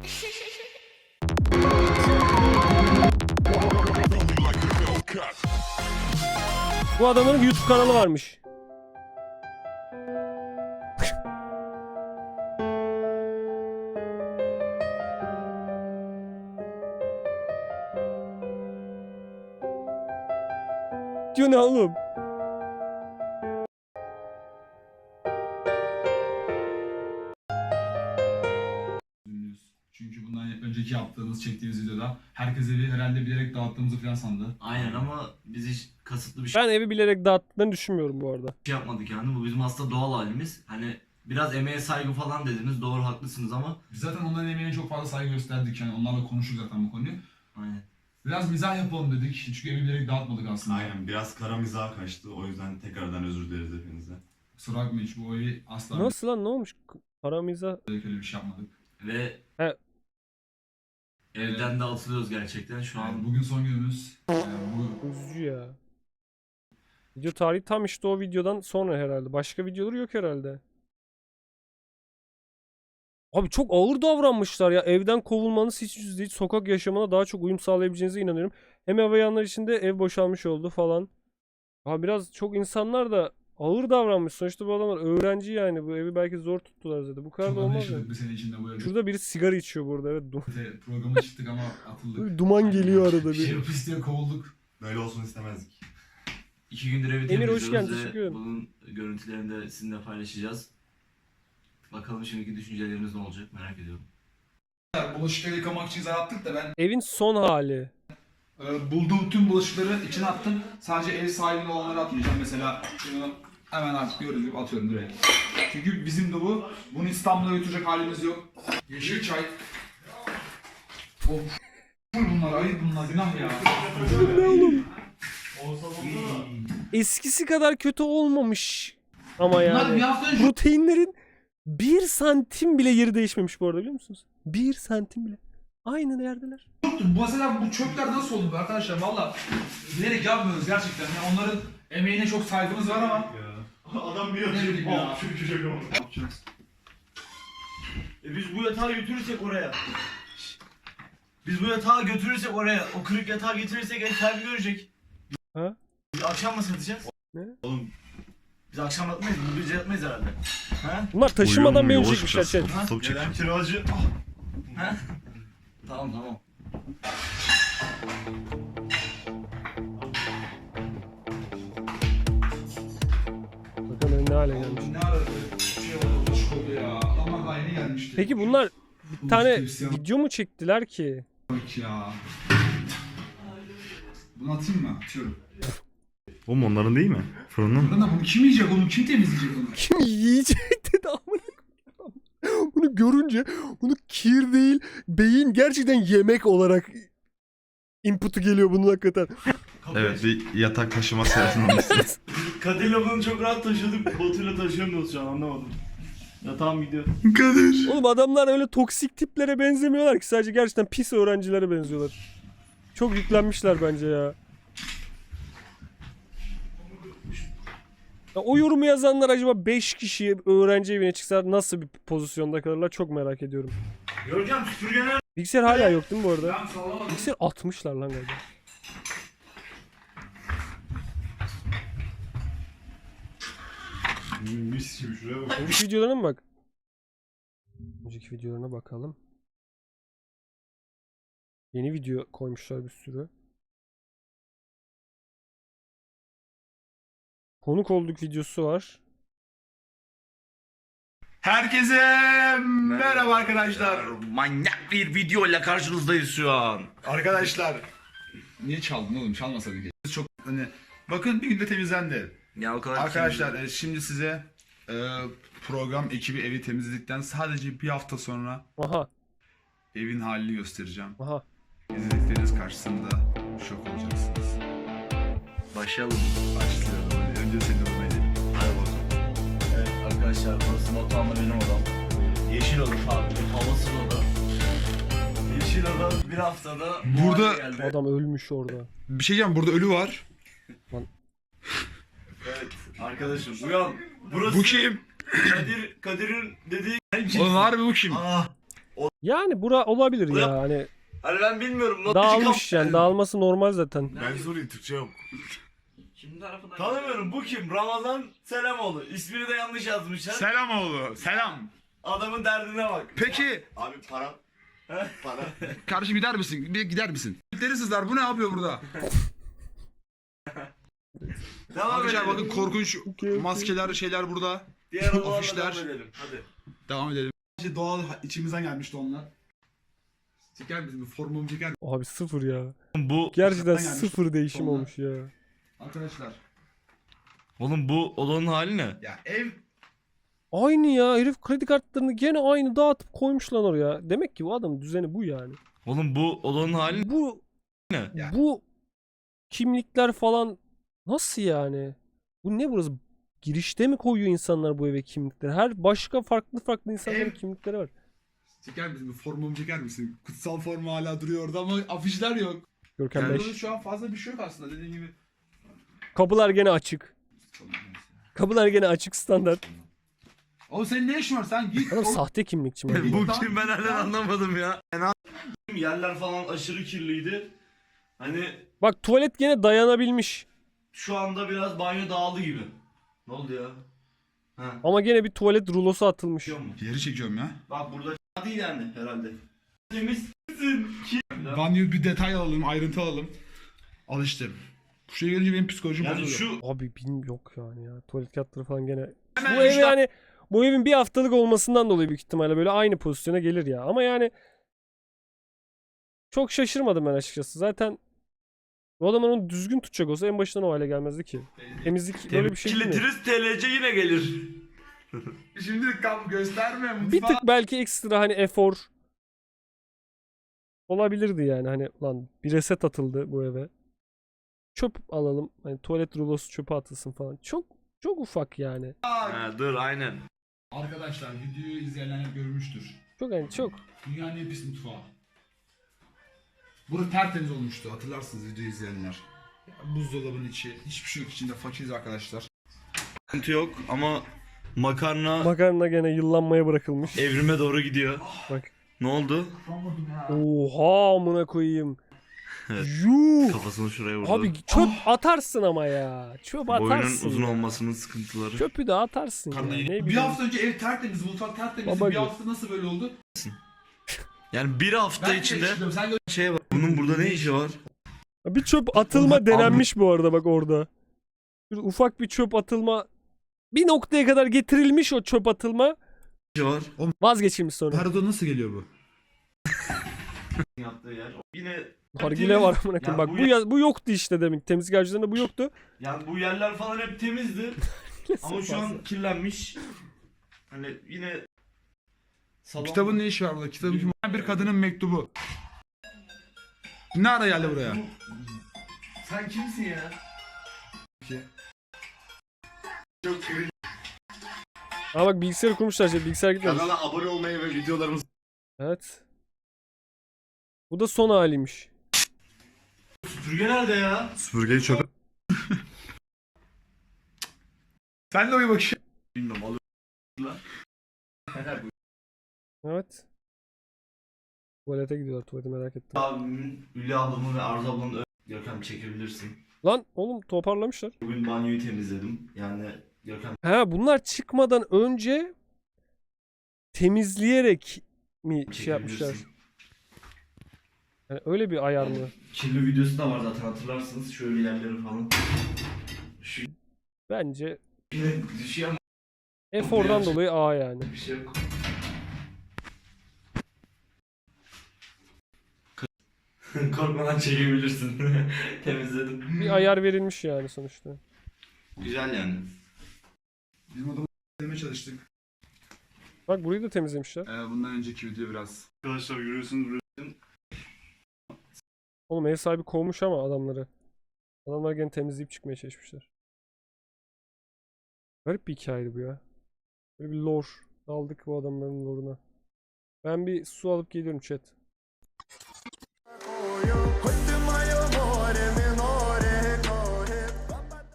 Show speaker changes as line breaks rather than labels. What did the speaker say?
Bu adamın YouTube kanalı varmış. Diyor ne oğlum?
Çünkü bundan önceki yaptığımız, çektiğimiz videoda herkes evi herhalde bilerek dağıttığımızı falan sandı.
Aynen ama biz hiç kasıtlı bir şey
Ben evi bilerek dağıttıklarını düşünmüyorum bu arada.
yapmadık yani. Bu bizim aslında doğal halimiz. Hani biraz emeğe saygı falan dediniz. Doğru, haklısınız ama
Biz zaten onların emeğine çok fazla saygı gösterdik. Yani onlarla konuştuk zaten bu konuyu.
aynen.
Biraz mizah yapalım dedik. Çünkü evi bilerek dağıtmadık aslında.
Aynen, biraz kara mizah kaçtı. O yüzden tekrardan özür dileriz hepinizden.
Kusura bakmayın, hiç bu evi asla
Nasıl lan, ne olmuş? Paramıza...
öyle bir şey yapmadık.
Ve
He.
evden de atılıyoruz gerçekten şu an.
Yani bugün son günümüz. Bu
Üzücü ya. Video tarihi tam işte o videodan sonra herhalde. Başka videoları yok herhalde. Abi çok ağır davranmışlar ya. Evden kovulmanız hiç düz değil. Sokak yaşamına daha çok uyum sağlayabileceğinize inanıyorum. Hem ev bayanlar için de ev boşalmış oldu falan. Abi biraz çok insanlar da ağır davranmış. Sonuçta bu adamlar öğrenci yani. Bu evi belki zor tuttular zaten. Bu kadar
çok
da olmaz
anlaşıldık
mı?
bir sene içinde bu evde.
Şurada biri sigara içiyor burada. Evet.
Programa çıktık ama atıldık.
Böyle duman geliyor arada bir.
Şey pis diye kovulduk.
Böyle olsun istemezdik.
2 gündür evi
Emir, hoş
temizliyoruz
geldin,
ve
teşekkür ederim.
bunun görüntülerini de sizinle paylaşacağız. Bakalım şimdiki düşünceleriniz ne olacak, merak ediyorum.
Bulaşıkları yıkamak için zar attık da ben
Evin son hali.
bulduğum tüm bulaşıkları içine attım. Sadece ev sahibine olanları atmayacağım. Mesela şunu hemen artık gördüğünüz gibi atıyorum direkt. Çünkü bizim de bu. Bunu İstanbul'a götürecek halimiz yok. Yeşil çay. Of. Bunlar ayıp, bunlar günah ya.
Ne oğlum? Eskisi kadar kötü olmamış. Ama
Bunlar bir
yani.
hafta önce
Proteinlerin 1 santim bile yeri değişmemiş bu arada, biliyor musunuz? 1 santim bile. Aynı yerdeler.
yoktu. Mesela bu çöpler nasıl oldu be arkadaşlar? Valla bilerek yapmıyoruz gerçekten. Yani onların emeğine çok saygımız var ama.
Adam bir
Ne bileyim ya.
Şu köşe
Ne yapacağız?
Biz bu yatağı götürürsek oraya. Biz bu yatağı götürürsek oraya, o kırık yatağı getirirsek ev sahibi görecek.
Ha?
Biz akşam mı satacağız?
Ne?
Oğlum,
Biz akşam yatmayız, bu gece yatmayız herhalde. Ha?
Bunlar taşımadan
uyuyor,
verecekmişler
yavaş
chat.
biraz. Stop çek.
Gelen kiracı.
Ha? Tamam tamam.
Bakın ne hale gelmiş.
Ne ara şey oldu, bulaşık oldu ya. Adamlar daha yeni gelmişti.
Peki bunlar bir tane video mu çektiler ki?
Bak ya. Bunu atayım mı? Atıyorum.
Oğlum onların değil mi? Fırının.
Buradan da bunu kim yiyecek oğlum? Kim temizleyecek onu?
Kim yiyecek dedi amına koyayım. Bunu görünce bunu kir değil, beyin gerçekten yemek olarak input'u geliyor bunun hakikaten.
Evet, bir yatak taşıma seyahatinde.
Kadir'le bunu çok rahat taşıdık, Batu'yla taşıyamıyoruz şu an, anlamadım. Yatağım gidiyor.
Kadir.
Oğlum adamlar öyle toksik tiplere benzemiyorlar ki, sadece gerçekten pis öğrencilere benziyorlar. Çok yüklenmişler bence ya. Ya o yorumu yazanlar acaba 5 kişi öğrenci evine çıksa nasıl bir pozisyonda kalırlar, çok merak ediyorum.
Görkem süpürgeler.
Bilgisayar hala yok değil mi bu arada?
Ben sallamadım.
Bilgisayar atmışlar lan galiba.
Mis gibi şuraya bak.
Önceki videolarına mı bak? Önceki videolarına bakalım. Yeni video koymuşlar bir sürü. Konuk olduk videosu var.
Herkese merhaba arkadaşlar. Manyak bir video ile karşınızdayız şu an.
Arkadaşlar. Niye çaldın oğlum? Çalmasaydın keşke. Çok hani bakın bir günde temizlendi.
Ya o kadar
Arkadaşlar şimdi size program ekibi evi temizledikten sadece bir hafta sonra
Aha.
evin halini göstereceğim.
Aha.
İzledikleriniz karşısında şok olacaksınız.
Başlayalım.
Başlayalım. Önce seni vurmayı edelim.
Hadi bakalım. Evet arkadaşlar, burası Batuhan'la benim odam. Yeşil oda, havasız oda. Yeşil oda bir haftada bu
Burada-
hale geldi.
Adam ölmüş orada.
Bir şey diyeceğim, burada ölü var.
Evet arkadaşım uyan. Burası
Bu kim?
Kadir'in dediği.
Oğlum harbi bu kim?
Ah.
Yani bura olabilir ya. Hani
Hani ben bilmiyorum.
dağılmış yani. Dağılması normal zaten.
Ben sorayım, Türkçe yok.
Kim tarafından?
Tanımıyorum. Bu kim? Ramazan Selamoğlu. İsmini de yanlış yazmışlar.
Selamoğlu. Selam.
Adamın derdine bak.
Peki
Abi para. Para.
kardeşim gider misin? Bir gider misin? Türkleri sızlar. Bu ne yapıyor burada?
Devam
Arkadaşlar
edelim.
bakın korkunç maskeler şeyler burada.
Diğer odalarla
afişler.
devam edelim. Hadi.
Devam edelim. İşte doğal içimizden gelmişti onlar. Çeker misin? Bir formumu çeker misin?
Abi sıfır ya.
Bu
Gerçekten
gelmiş.
sıfır değişim
Sonra-
olmuş ya.
Arkadaşlar.
Oğlum bu odanın hali ne?
Ya ev
Aynı ya. Herif kredi kartlarını gene aynı dağıtıp koymuş lan oraya. Demek ki bu adamın düzeni bu yani.
Oğlum bu odanın hali
Bu
ne?
Ya.
bu kimlikler falan nasıl yani? Bu ne burası? Girişte mi koyuyor insanlar bu eve kimlikleri? Her başka farklı insanların
Ev-
kimlikleri var.
çeker misin? Bir formumu çeker misin? Kutsal formu hala duruyor orada ama afişler yok.
Görkem
Yani
5.
burada şu an fazla bir şey yok aslında dediğin gibi.
Kapılar gene açık. Kapılar gene açık standart.
Oğlum senin ne işin var? Sen git.
Adam
oğlum.
sahte kimlikçi mi?
Bu kim ben hala anlamadım ya. Yerler falan aşırı kirliydi. Hani
Bak tuvalet gene dayanabilmiş.
şu anda biraz banyo dağıldı gibi. Ne oldu ya? Ha.
Ama gene bir tuvalet rulosu atılmış.
Biliyor musun?
Yeri çekiyorum ya.
Bak burada değil yani herhalde. Temizsin.
Banyo bir detay alalım, ayrıntı alalım. Al işte. Şuraya gelince benim psikolojim
Yani
bozuluyor.
şu
Abi yok yani ya. Tuvalet kağıtları falan gene.
Hemen
Bu ev
işte-
yani bu evin bir haftalık olmasından dolayı büyük ihtimalle böyle aynı pozisyona gelir ya. Ama yani çok şaşırmadım ben açıkçası. Zaten bu adam onu düzgün tutacak olsa en başından o hale gelmezdi ki. Temizlik böyle bir şey değil mi?
Kirletiriz TLC yine gelir.
Şimdi kap gösterme mutfağı.
Bir tık belki ekstra hani efor olabilirdi yani. Hani lan bir reset atıldı bu eve. Çöp alalım. Hani tuvalet rulosu çöpe atılsın falan. Çok ufak yani.
Ha, dur aynen.
Arkadaşlar videoyu izleyenler görmüştür.
Çok hani çok.
Dünyanın en pis mutfağı. Burası tertemiz olmuştu hatırlarsınız videoyu izleyenler. Ya, buzdolabının içi, hiçbir şey yok içinde fakiriz arkadaşlar.
Sıkıntı yok ama makarna
Makarna gene yıllanmaya bırakılmış.
evrime doğru gidiyor.
Bak.
Ne oldu?
Oha amına koyayım.
Evet.
Yuh.
Kafasını şuraya vurdu.
Abi çöp atarsın ama ya. Çöp
Boynun
atarsın.
uzun
ya.
olmasının sıkıntıları.
Çöpü de atarsın ya. Ne
Bir
bileyim.
hafta önce ev tertemiz, mutfak tertemiz.
Baba
Bir
gibi.
hafta nasıl böyle oldu?
Yani bir hafta
Ben
içinde
geçtim, sen gö-
şey var. Bunun burada ne işi var?
Bir çöp atılma denenmiş bu arada bak orada. Bir ufak bir çöp atılma bir noktaya kadar getirilmiş o çöp atılma.
Ne işi var?
Vazgeçilmiş sonra.
Her oda nasıl geliyor bu?
Yaptığı yer. Yine
Nargile var amına koyayım.
Ya
Bak bu yoktu işte demin. Temizlik harcılarında bu yoktu.
yani bu yerler falan hep temizdi. Ama şu an kirlenmiş. Hani yine salon...
Kitabın ne işi var burada? Kitabın kim? Bir kadının mektubu. Ne ara geldi buraya?
Sen kimsin ya?
Ama bak bilgisayarı kurmuşlar işte. Bilgisayar gitmemiş.
Kanala abone olmayı ve videolarımızı
Evet. Bu da son haliymiş.
Süpürge nerede ya?
süpürgeyi çöpe
Sen de uyu bakayım.
Bilmiyorum alıyorum.
Evet. Tuvalete gidiyorlar. Tuvaleti merak ettim.
Abimin, Hülya ablamı ve Arzu ablamı Görkem çekebilirsin.
Lan oğlum toparlamışlar.
Bugün banyoyu temizledim. Yani Görkem
Ha bunlar çıkmadan önce temizleyerek mi şey yapmışlar?
çekebilirsin.
Yani öyle bir ayar mı?
Kirli videosu da var zaten hatırlarsınız. Şöyle yerleri falan. Şu
Bence
yine düşüyor ama
efordan
Biraz-
dolayı A yani.
bir şey yok. Korkmadan çekebilirsin. Temizledim.
Bir ayar verilmiş yani sonuçta.
Güzel yani.
Bizim odamı temizlemeye çalıştık.
Bak burayı da temizlemişler.
Bundan önceki video biraz.
Arkadaşlar görüyorsunuz
Oğlum ev sahibi kovmuş ama adamları. Adamlar gene temizleyip çıkmaya çalışmışlar. Garip bir hikayeydi bu ya. Böyle bir lore. Daldık bu adamların lore'una. Ben bir su alıp geliyorum chat.